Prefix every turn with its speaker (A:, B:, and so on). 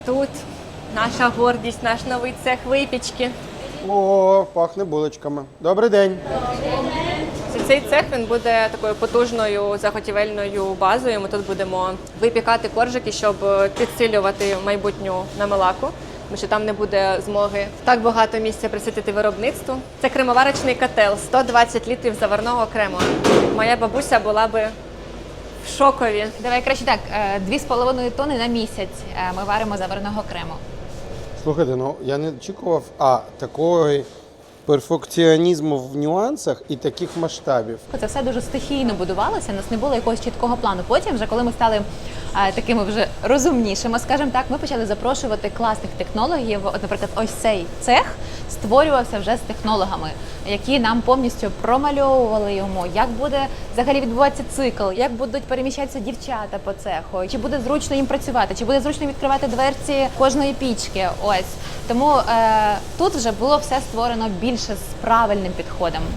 A: Тут наша гордість, наш новий цех випічки.
B: О, пахне булочками. Добрий день.
A: Цей цех він буде такою потужною заготівельною базою. Ми тут будемо випікати коржики, щоб підсилювати майбутню намилаку, тому що там не буде змоги так багато місця присвятити виробництву. Це кремоварочний котел, 120 літрів заварного крему. Моя бабуся була би в шокові.
C: Давай краще так, 2,5 тонни на місяць ми варимо заварного крему.
B: Слухайте, ну я не очікував такого перфекціонізму в нюансах і таких масштабів.
C: Це все дуже стихійно будувалося, у нас не було якогось чіткого плану. Потім, вже коли ми стали такими вже розумнішими, скажімо так, ми почали запрошувати класних технологів. От, наприклад, ось цей цех створювався вже з технологами, які нам повністю промальовували йому, як буде взагалі відбуватися цикл, як будуть переміщатися дівчата по цеху, чи буде зручно їм працювати, чи буде зручно відкривати дверці кожної пічки. Ось. Тому тут вже було все створено більше з правильним підходом.